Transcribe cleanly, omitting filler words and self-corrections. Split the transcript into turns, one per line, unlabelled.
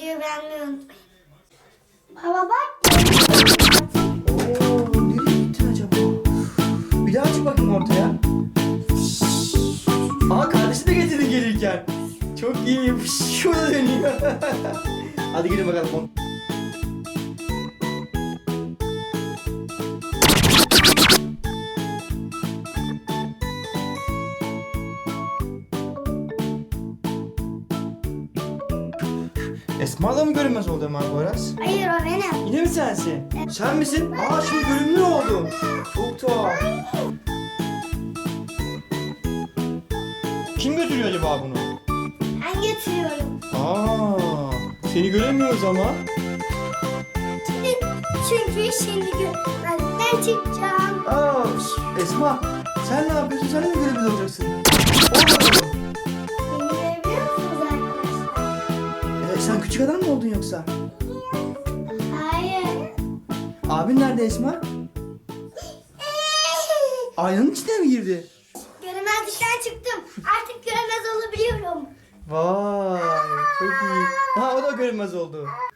videoyu beğenmeyi unutmayın. Baba bak.
Oo, nereye gittin acaba? Bir daha çık bakayım ortaya. Aa, kardeşi de getirdin gelirken. Çok iyi. Şurada dönüyor. Hadi gelin bakalım. Esma da mı görünmez oldu Ömer Poyraz?
Hayır o benim.
Yine mi sensin? Sen misin? Aa, şimdi görünümlü oldun. Çok tuhaf. Kim götürüyor acaba bunu?
Ben getiriyorum.
Aa, seni göremiyoruz ama.
Çünkü şimdi görmezden çıkacağım.
Aa, Esma, sen ne yapıyorsun? Sen de mi görünümlü olacaksın? Olmadı.
Beni görebiliyor musunuz arkadaşlar?
Sen küçük adam mı oldun yoksa?
Hayır.
Abin nerede Esma? Aynanın içine mi girdi?
Göremezlikten çıktım. Artık göremez olabiliyorum.
Vay, çok iyi. Ha, o da görünmez oldu.